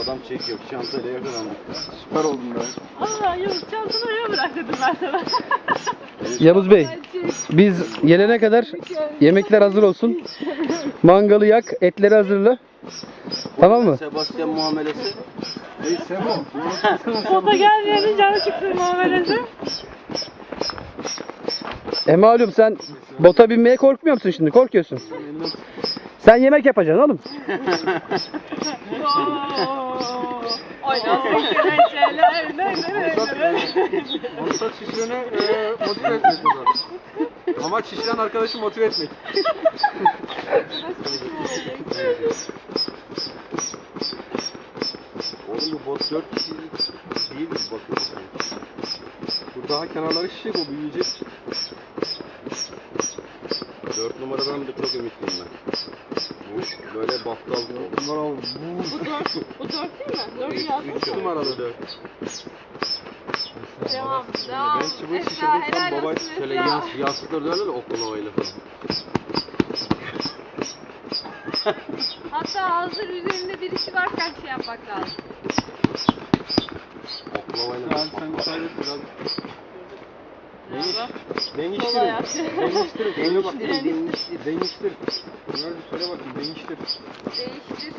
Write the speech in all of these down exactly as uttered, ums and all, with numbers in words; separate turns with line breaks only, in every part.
Adam çekiyor. Çantayla yakalandık.
Süper oldun be.
Allah Yavuz çantanı oraya bırak dedim ben sana.
Yavuz Bey, biz gelene kadar yemekler hazır olsun. Mangalı yak, etleri hazırla. Tamam mı?
Sebastian muamelesi.
Ey Sebo.
Bota gelmeyenin canı çıktı muamelesi.
E malum sen bota binmeye korkmuyor musun şimdi? Korkuyorsun. Sen yemek yapacaksın oğlum.
Oynasın kereçeler.
Maksat şişirene e, motive etmek burada. Amaç şişiren arkadaşı motive etmek.
Oğlum bu bot dört kişilik değil mi bakıyorsun?
Bu daha kenarları şişecek, o büyüyecek.
dört numaradan da çok ümitliyim ben. Bu böyle battal.
Bunlar al.
Bu dört, bu dört değil mi? Dört yazmış.
üç numaralı dört.
Devam, devam.
Ben çubuğu
Esra,
şişirdim,
helal
tam baba
olsun
Şöyle
Esra.
yas, yastıkları dönerler de oklavayla falan.
Hatta hazır üzerinde birisi varken şey yapmak lazım.
Oklavayla.
Abi sen müsaade et biraz.
Merhaba. Sol ayak.
Değiştir. Öyle bak.
Değiştir.
Değiştir. Bunları bir söyle bakayım. Değiştir.
Değiştir.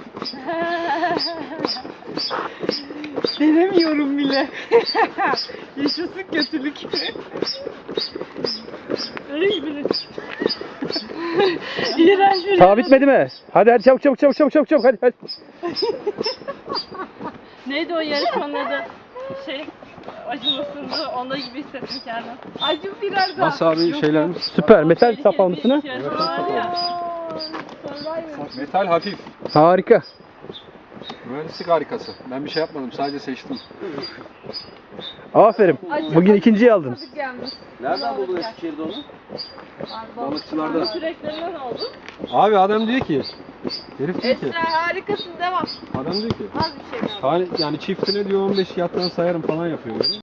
Denemiyorum bile. Yaşasın kötülük. Öyle gibi. İğrenç bir
Daha bitmedi mi? Hadi hadi çabuk çabuk çabuk çabuk çabuk çabuk hadi hadi.
Neydi o yarışmanın adı? Şey, acımasındı. Onda gibi hissettim kendimi. Acım biraz daha.
Nasıl abi şeylerimiz?
Süper. Metal
Tehlikeli
sapan
bir
mısın ha?
yarışma var ya.
Metal hafif.
Harika.
Mühendislik harikası. Ben bir şey yapmadım. Sadece seçtim.
Aferin. Bugün ikinciyi aldın.
Nereden buldun Eskişehir'de onu?
Balıkçılarda.
Süreklerinden oldu.
Abi adam diyor ki. Herif diyor ki.
Esra harikasın devam.
Adam diyor ki.
Az bir şey kaldı.
Yani, yani çiftine diyor on beş yattan sayarım falan yapıyor böyle.